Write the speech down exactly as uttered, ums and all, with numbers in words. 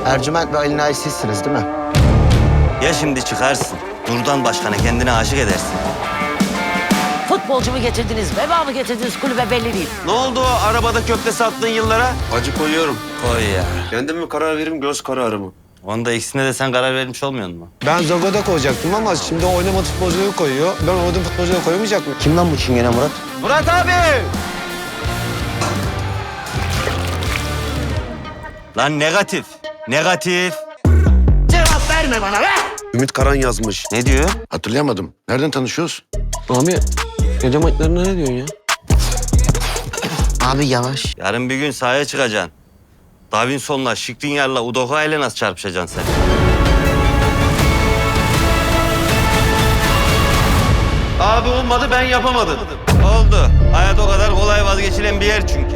Ercüment ve Ali Nail sizsiniz değil mi? Ya şimdi çıkarsın, Nurdan Başkan'a kendine aşık edersin. Futbolcu mu getirdiniz, veba mı getirdiniz kulübe belli değil. Ne oldu o arabada köfte sattığın yıllara? Acı koyuyorum. Koy ya. Kendim mi karar veririm, göz kararı mı? Onda ikisine de sen karar vermiş olmuyor musun? Ben Zago'da koyacaktım ama şimdi oynama futbolcuları koyuyor. Ben oynadığım futbolcuları koyamayacak mıyım? Kim lan bu çingene Murat? Murat abi! Lan negatif, negatif. Cevap verme bana be! Ümit Karan yazmış. Ne diyor? Hatırlayamadım. Nereden tanışıyoruz? Abi gece maçlarına ne diyorsun ya? Abi yavaş. Yarın bir gün sahaya çıkacaksın. Davinson'la, Skriniar'la, Udoka ile nasıl çarpışacaksın sen? Abi olmadı, ben yapamadım. Oldu. Hayat o kadar kolay vazgeçilen bir yer çünkü.